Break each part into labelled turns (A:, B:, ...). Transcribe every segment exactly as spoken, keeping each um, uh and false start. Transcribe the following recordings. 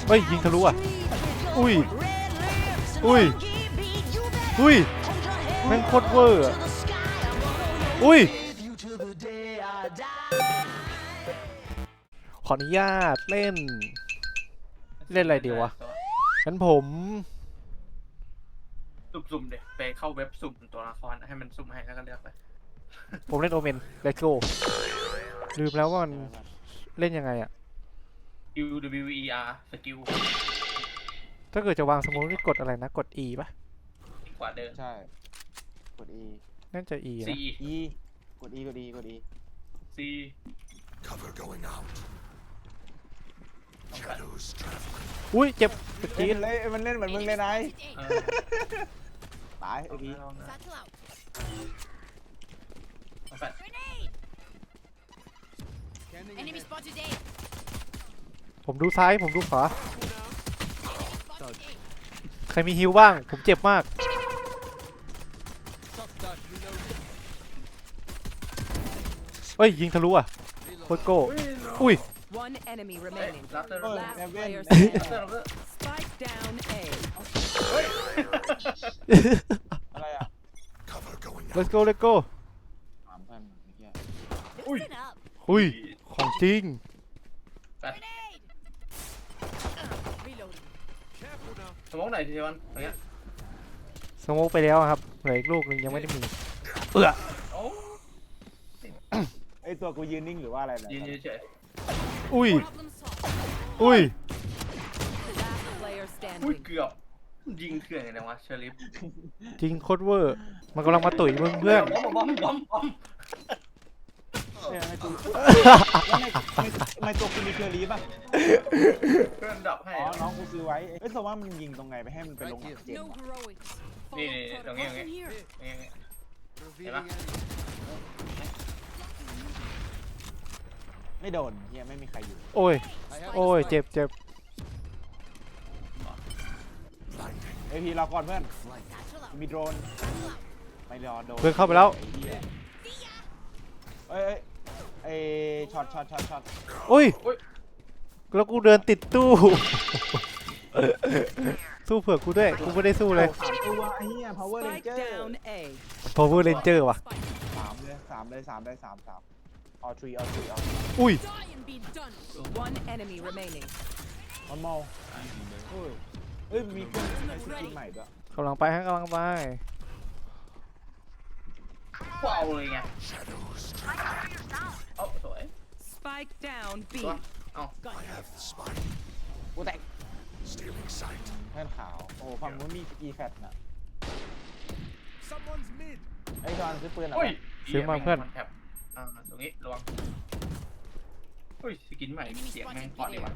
A: เฮ้ยยิงทะลุอ่ะอุ้ยอุ้ยอุ้ยแม่งโคตรเวอร์อะอุ้ยขออนุญาตเล่นเล่นอะไรดีวะงั้นผม
B: สุ่มๆเดี๋ยวไปเข้าเว็บสุ่มตัวละครให้มันสุ่มให้แล้วก็เลือกไป
A: ผมเล่นโอเมนเลโก้ลืมแล้วว่ามันเล่นยังไงอะ
B: U W E R สกิล
A: ถ้าเกิดจะวางสมมติกดอะไรนะกด E ป่ะ
B: กว่าเดิม
C: ใช่กด E
A: น่าจะ E นะ
B: C
C: E กด E กด E กด E
B: C
D: Cover going out. Shadows traveling.
A: อุ้ยเจ็บตะ
C: เล่
A: กี้
C: นเลยมันเล่นเหมือนมึงเลยนาย
B: เออ
C: ตายไอ้พี
B: ลองนะ
E: Satchel out.
B: เอาแฟลช
E: Grenade. Enemy spotted A.
A: ผมดูซ้ายผมดูขวา
E: Enemy spotted A.
A: ใครมีฮิวบ้างผมเจ็บมากเฮ้ยยิงทะลุอ่ะโคตรโก้อุ้ย
F: One enemy
B: เฮ้ย
F: remaining.
B: รับเตอร์
C: เอ
B: รับ
C: อ
B: เตอร์
C: แอมเว่น
F: Player
B: รับ
F: standing.
B: เตอร์รับเตอร์
F: Spike down A.
C: อะไรอ่ะ
D: Cover going out.
A: let's go let's go
C: ถามเพื่อนไอ้เหี้ย
E: Listen up.
A: อุ้ยของจริง
E: Grenade. Reloading.
B: สมองไหนทีวันอย่างเงี้ย
A: สโมกไปแล้วครับเหลืออีกลูกนึงยังไม่ได้มีเอื้อ
B: โอ้
C: ไอตัวกูยืนนิ่งหรือว่าอะไรเนี่ย
B: ยืนเฉย
A: อุ้ย
E: Problem solved.
A: อุ้ย
F: Last player
B: อุ้ย
F: standing.
B: เกือบยิงเถื่อนไงวะเชอริฟ
A: จริงโคตรเวอร์มันกำลังมาตุ๋ยมึงเพื่อน
B: บอมบอมบอมบอม
C: เนี่ยไอตัวแล้วในในในตัวกูมีเคอรี่ป่ะ
B: เพื่อนดับให้
C: อ๋อน้องกูซื้อไว้เอ้ยแต่ว่ามันยิงตรงไงไปให้มันไปลงหลังเจน
E: No heroics.
B: นี่
E: Follow
B: นี่ตรงนี้ตรง
E: protocol
B: นี้
E: from here.
B: อย่างเงี้ยเห็นปะ
C: ไม่โดนเฮียไม่มีใครอยู่
A: โอ้ยโอ้ยเจ็บเจ็บ
C: ไอพีรอก่อนเพื่อน
E: Satchel out.
C: มีโดรนไม่รอโดน
A: เพื่อนเข้าไปแล้ว
C: ไอ้เหี้ยเอ้ยเอ้ยไอ้ช็อตช็อตช็อตช็อต
A: อุ้ยแล้วกูเดินติดตู้ สู้เผื่อกูด้วยกูไม่ได้สู้เลย
C: สามตัวไอ้เหี้ย power
F: Spike
C: ranger
F: down A.
A: power ranger ว่ะ
C: สามเลยสามเลยสามเลยสามสาม all three all three all
A: อุ้ย
E: Die and be done.
F: One enemy remaining.
C: one more เฮ้ยเอ้ยมีเครื่องใช้สกินใหม่ด้วย
A: กำลังไปฮะกำลังไป
B: กูเอาเลยไง
D: Shadows.
B: เอ้าสวย
F: Spike down B.
B: ตัวเอ้า
D: I have the spike.
C: กูแตก
D: Stealing sight.
C: เพื่อนขาวโอ้ฝั่งนู้นมี e fat น่ะ
D: Someone's mid.
C: ไอ้จอนซื้อปืนอ่ะ
B: โอ้ย
A: ซื้อมาเพื่อน
B: แถบอ่าตรงนี้ระวังอุ้ยสกินใหม่เสียงแม่งพอดีว่ะ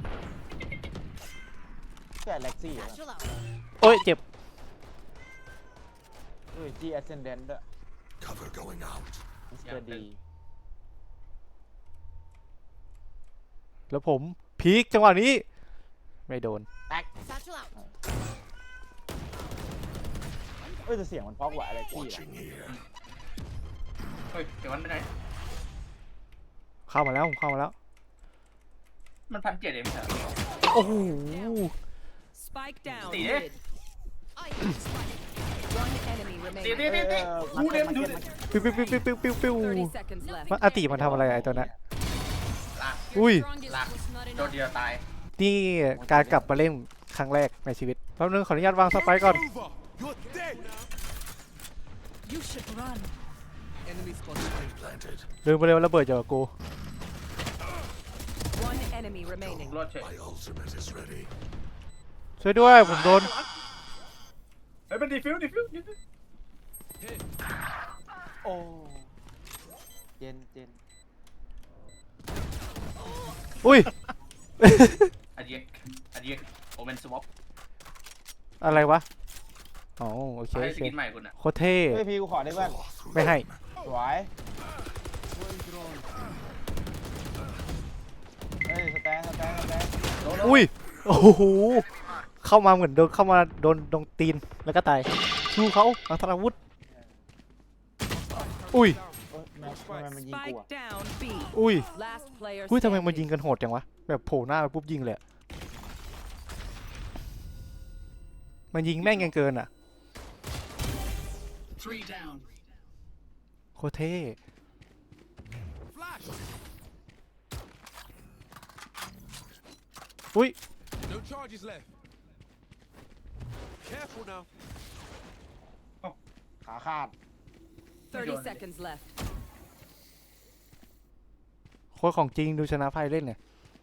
C: แค่เล็กซี่
E: Satchel out.
A: โอ้ยเจ็บ
C: เอ้ย G ascendant ด้วย
D: Cover going out.
C: มิสเตอร์ดี
A: แล้วผมพีคจังหวะนี้ไม่โดน
E: Satchel out.
C: เอ้ยแต่เสียงมันเพราะกว่าอะไรกี้
D: Watching here.
B: เฮ้ยเดี๋ยวมันไปไหน
A: เข้ามาแล้วผมเข้ามาแล้ว
B: มันพันเจ็ดเองไม่ใช่เหรอ
A: โอ้โห
F: Spike down
B: See
F: mid.
E: I am spotted.
F: One enemy
B: ตี
F: remaining.
B: ตีตีตีกูเดมดูดิ
A: ปิ้วปิ้วปิ้วปิ้วปิ้วปิ้ว
F: thirty seconds left.
A: มันอาติมันทำอะไรไอ้ตัวนั้น
B: ลาก
A: อุ้ย
E: Strongest
B: Lock.
E: was not
B: โดน
E: enough.
B: เดียวตาย
A: นี่การกลับมาเล่นครั้งแรกในชีวิตแป๊บนึงขออนุญาตวางสไปค์ก่อน
D: Over. You're dead.
E: You should run.
D: Spike planted.
A: ลืมไปเลยว่าระเบิดเจอกู
F: One enemy remaining.
B: รอดเฉย
D: My ultimate is ready.
A: ช่วยด้วยผมโดน
B: เฮ้ยเป็นดีฟิวดีฟิวดีฟิว
C: โอ้เจนเจน
A: อุ้ย
B: อันเยกอันเยกโอเมนสวอป
A: อะไรวะอ๋อโอเค
B: ให้
A: โอ
B: ส
A: เค
B: กินใหม่คุณอ่ะ
A: โคตรเท่
C: เฮ้ยพี่กูขอได้เพื่อน
D: Claw through
A: ไม่ให้
D: them.
C: สวยเฮ้ยสแตนสแตนสแตน
A: อุ้ยโอ้โหเข้ามาเหมือนโดนเข้ามาโดนโดนตีนแล้วก็ตายชูเขาอังธนาวุธอุ้ย
C: เอ้ยแม่งทำไมมันยิงกู
F: Spike
C: อ่ะ
F: down B.
A: อุ้ย
F: Last player
A: อุ้ยทำไมมันยิง
F: standing.
A: กันโหดจังวะแบบโผล่หน้าไปปุ๊บยิงเลยอะมันยิงแม่งยังเกินอ่ะ
B: three down
A: โคตรเท่
D: Flash!
A: อุ้ย
D: No charges left. Careful now.
C: ขาขาด
F: thirty seconds left.
A: โคตรของจริงดูชนะไพ่เล่นเนี่ย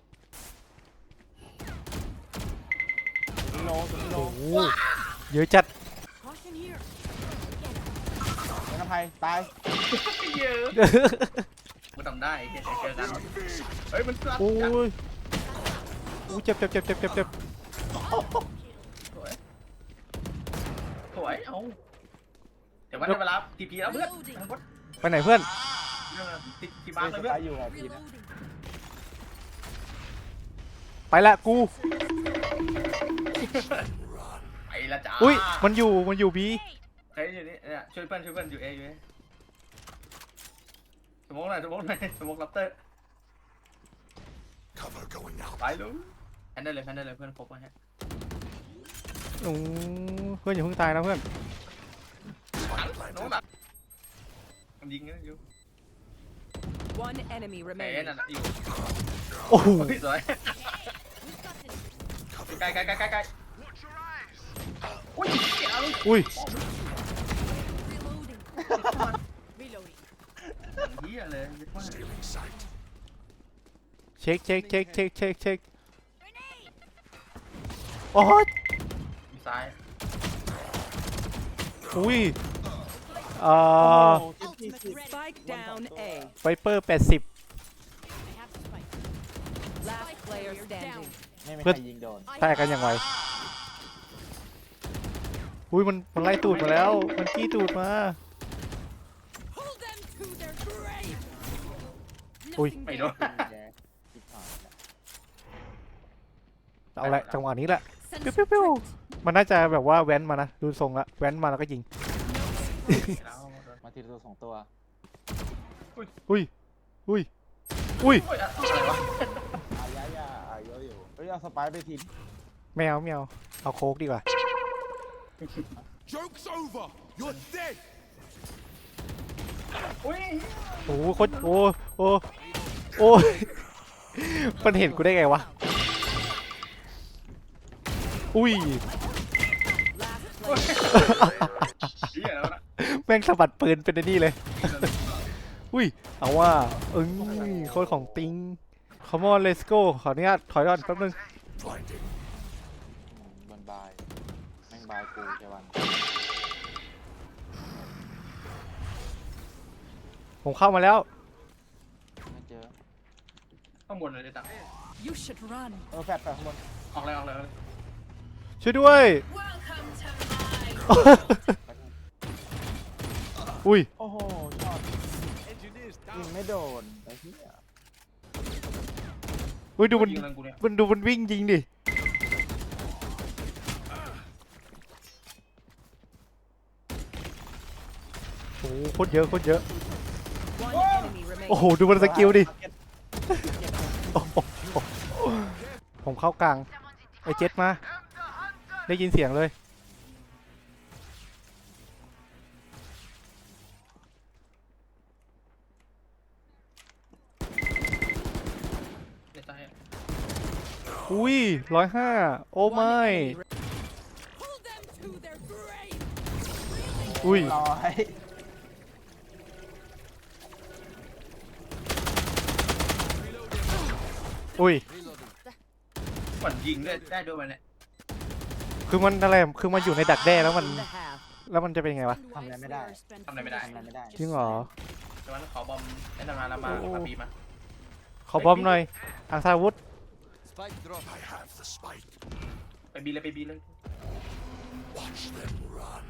C: สุดโลสุดโล
A: โอ้โหเยอะจัด
E: Caution here.
C: เป็นอภัยตาย
B: เยอะกูทำได้เจอกันเฮ้ยมันสลับ
A: โอ้
B: กัน
A: ยโอ้ยเจ็บเจ็บเจ็บเจ็บเจ็บเจ็บ
B: สวยสวยเอาเดี๋ยววันได้เวลาทีพีแล้วเพื่อน
A: ไปไหนเพื่อน
B: ทีทีมา
C: เฮ้ย
B: เลย
C: ส
B: เพื่อน
C: ตาร์อยู่กับพีนะ
E: Reloading.
A: ไปละกู
B: ไปละจ้า
A: อุ้ยมันอยู่มันอยู่บี
B: เฮ้ยอยู่นี่เนี่ยช่วยเพื่อนช่วยเพื่อนอยู่เออยู่เอสมองหน่อยสมองหน่อยสมองลับเตอร์
D: Cover going out.
B: ไปลุงแพนได้เลยแพนได้เลยเพื่อนครบแล้วฮะ
A: โอ้เพื่อนอย่าเพิ่งตายนะเพื่อน
B: น้องหนักมันยิงนะอยู่
F: One enemy
B: เอ้
F: remaining.
B: นั่นอยู่
A: โอ้โห
B: สวย
E: We've got this.
D: Cover
B: ใกล้ใกล้ใกล้ใกล้ใกล้อุ้ยเจ๋ง
A: อุ้ย
E: Reloading. Reloading.
B: เฮียเลยเยอะมาก
D: stealing sight.
A: เช็คเช็คเช็คเช็คเช็คเช็คโอ้ย
B: มีซ้าย
A: อุ้ยเอ่อ
C: โอ้โหที่ที่
E: Ultimate ready.
F: Spike down A.
A: ไวเปอร์แปดสิบ
E: I have the spike.
F: Last player
E: Down.
F: standing.
C: ไม่มี
A: เพื่
C: ใค
A: อน
C: รยิงโดน
E: I
A: แตกกันอย่างไวอุ้ยมันมันไล่ตูดมาแล้วมันกี้ตูดมา
E: Hold them to their grave.
A: Ui.
E: Nothing
B: ไม่โด
E: there.
B: น
C: แย่ชิบหายแล้ว
A: เอาละจังหวะนี้แหละ
E: Sensor
A: ปิ้วปิ้วปิ้ว
E: tripped.
A: มันน่าจะแบบว่าแว้นมานะดูทรงละแว้นมาแล้วก็ยิง
B: แล้ว
C: มาทีละตัวสองตัว
A: อุ้ยอุ้ยอุ้ย
B: โอ้ยอะไรวะ
C: อายายาอายอยู่เฮ้ยเอาสไปร์ไปทิ้ง
A: แมวแมวเอาโค้กดีกว่า
D: Joke's over. You're dead.
B: อุ้ย
A: โอ้โหโคตรโอ้โอ้โอ้ยมันเห็นกูได้ไงวะอุ้ย
F: Last player.
B: เฮียแล้วนะ
A: แม่งสะบัดปืนเป็นไอ้นี่เลยอุ้ยเอาว่าเอ้ยโคตรของติง Come on let's go ขออนุญาตถอยก่อนแป๊บนึง
D: Blinding.
C: อืมบนบายแม่งบายกูแค่วัน
A: ผมเข้ามาแล้ว
C: ไม่เจอ
B: ข้างบนเลยจ้ะ
E: You should run.
C: เออแฟดไปข้างบน
B: ออกเลยออกเลย
A: ช่วยด้วย
E: Welcome to my
A: อุ้ย
C: โอ้โหช็อต
D: Engineers
C: ยิง
D: down.
C: ไม่โดนไอ้เหี้ย
A: อุ้ยดูมัน
B: ยิงเรื่องกูเนี่ย
A: มันดูมันวิ่งยิงดิโอ้โหโคตรเยอะโคตรเยอะ
F: One enemy
A: โอ้โห
F: remaining.
A: ดูมันสกิลดิโอ้โหผมเข้ากลางไอเจ็ตมา ได้ยินเสียงเลย
B: ในใจ
A: อุ้ยร้อยห้าโอ้
F: One
A: ไม่
F: enemy re-
E: Hold them to their grave.
A: อุ้ย
C: ร้อย
A: อุ้ย
B: เหมือนยิงได้ได้ด้วยมันเนี่ย
A: คือมันอะไรคือมันอยู่ในดักแด้แล้วมัน
F: in the half.
A: แล้วมันจะเป็นไงวะ
C: ทำอะไรไม่ได้
B: ทำอะไรไม่ได้
C: ทำอะไรไม่ได้
A: จริงเหรอ
B: แต่ว่าขอบอมได้ทำงานแล้วมามาปีมา
A: ขอบอมหน่อยอังซาวุธ
D: Spike drop. I have the spike.
B: ไปบีเลยไปบีเลย
D: Watch them run.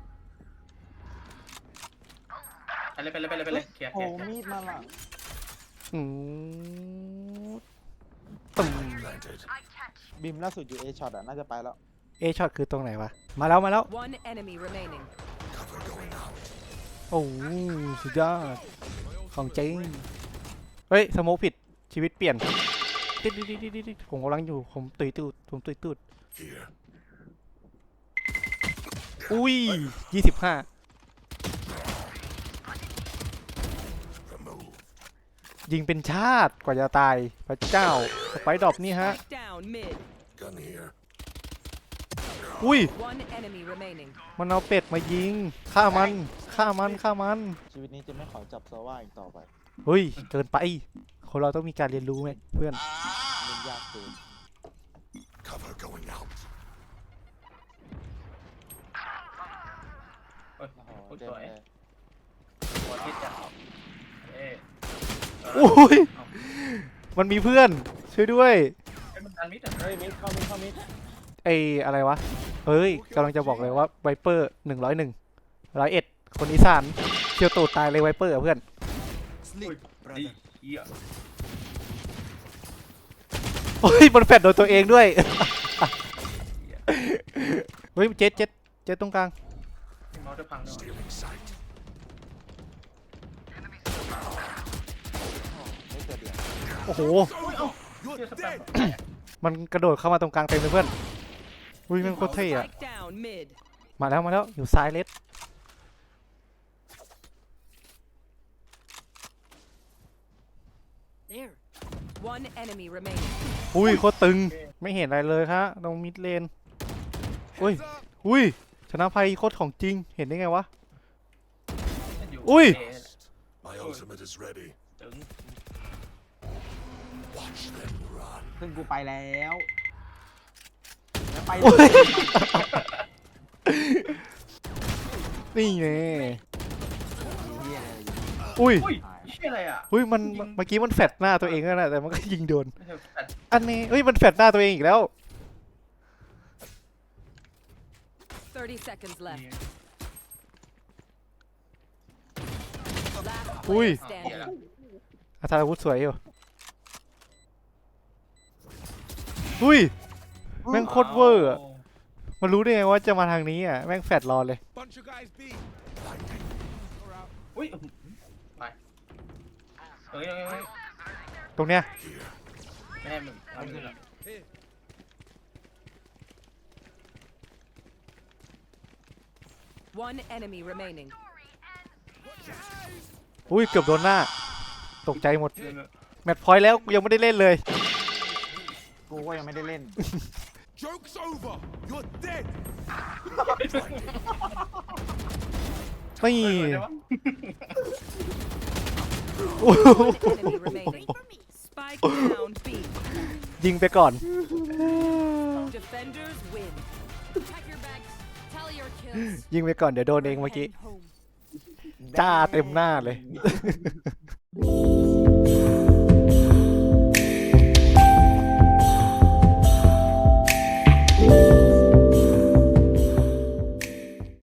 B: ไปเลยไปเลยไปเลยไปเลยเคลียร์เค
C: โอ้
B: ลียร์
C: มีดมาล่ะ
A: อืมตึม
D: Planted.
C: บิมล่าสุดอยู่เอช็อตอ่ะน่าจะไปแล้ว
A: เอช็อตคือตรงไหนวะ มาแล้วมาแล้ว
F: One enemy remaining.
D: Cover going out.
A: โอ้โหสุดยอดของจริง เฮ้ย สโมกผิดชีวิตเปลี่ยนติดดิดดิดดิดดิดผมกำลังอยู่ ผมตุยตูดผมตุยตูด
D: Here.
A: อุ้ยยี่สิบห้า
D: Remove.
A: ยิงเป็นชาติกว่าจะตายพระเจ้าสไปดรอปนี่ฮะ
F: Spike down mid.
D: Gun here.
A: อุ้ย
F: One enemy remaining.
A: มันเอาเป็ดมายิงฆ่ามันฆ่ามันฆ่ามัน
C: ชีวิตนี้จะไม่ขอจับโซว่าอีกต่อไป
A: เฮ้ยเกินไปคนเราต้องมีการเรียนรู้ไหมเพื่อน
C: เล่นยากเกิน
D: Cover going out.
B: เฮ้ย
C: โอ้โห
B: โคตร
C: เจ็
B: ส
C: บ
B: วย
C: เลย
B: หัวทิศจ้ะเอ๊ะ
A: อุ้ยมันมีเพื่อนช่วยด้วย
B: ไอ้มันดันมิดอ่ะ
C: เฮ้ยมิดเข้ามิดเข้ามิด
A: ไอ้อะไรวะเฮ้ยกำลังจะบอกเลยว่าไวเปอร์หนึ่งร้อยหนึ่งร้อยเอ็ดคนอีสานเชียวตูดตายเลยไวเปอร์เพื่อน
B: อุ้ยดีเหี้ย
A: โอ้ยมันแฟดโดนตัวเองด้วย เฮ้ยเจ็ดเจ็ดเจ็ดตรงกลาง
B: เมาส์จะพังด้วย
D: Stealing sight.
C: ไม่เกิดเดือด
A: โอ้โห
B: เหี้ย
D: You're
B: สแปม
D: dead.
A: มันกระโดดเข้ามาตรงกลางเต็มเลยเพื่อนอุ้ยแมันโคตรเท่อะ
F: Spike down mid.
A: มาแล้วมาแล้วอยู่ซ้ายเลส
E: There.
F: One enemy remaining.
A: อุ้ยโคตรตึงไม่เห็นอะไรเลยครับตรงมิดเลนอุ้ยอุ้ยชนะภัยโคตรของจริงเห็นได้ไงวะ อุ้ย
D: My ultimate is ready.
B: ถึง
D: Watch them run.
C: ซึ่งกูไปแล้วแล้วไป
A: โอ้
C: เลย ย
A: นี่ไง
C: เหี้ยเลย
A: อุ้ย
B: อุ้ยเชี่ยอะไรอ่ะ
A: อุ้ยมันเมื่อกี้มันแฟดหน้าตัวเองแล้วนะแต่มันก็ยิงโดน
B: ไม่ใช่แฟด
A: อันนี้เฮ้ยมันแฟดหน้าตัวเองอีกแล้ว
F: Thirty seconds left.
B: นี่
F: Last
A: อุ้ย
F: player
B: เหี้ย
F: standing.
B: ละ
A: อาธารวุธสวยอยู่อุ้ยแม่งโคตรเวอร์อะมันรู้ได้ไงว่าจะมาทางนี้อ่ะแม่งแฟดรอเลย
D: Bunch of guys B.
B: อุ้ยไปเฮ้ยเฮ้ยเฮ้ย
A: ตรงเนี้ย
D: Here.
B: ไม่ให้มึงเอามึงละ
F: One enemy remaining.
A: อุ้ยเกือบโดนหน้าตกใจหมด
B: เดี๋ยวมึง
A: แมตช์พอยต์แล้วกูยังไม่ได้เล่นเลย
C: กูก็ยังไม่ได้เล่น
D: Joke's over. You're dead.
A: นี่
B: เดี๋ยววะ
A: โอ้โห
F: One enemy remaining. Spike down B.
A: ยิงไปก่อน
F: Defenders win.
E: Pack your bags. Tally your kills.
A: ยิงไปก่อนเดี๋ยวโดนเองเมื่อกี้
E: Heading home.
A: จ้าเต็มหน้าเลย
C: ไ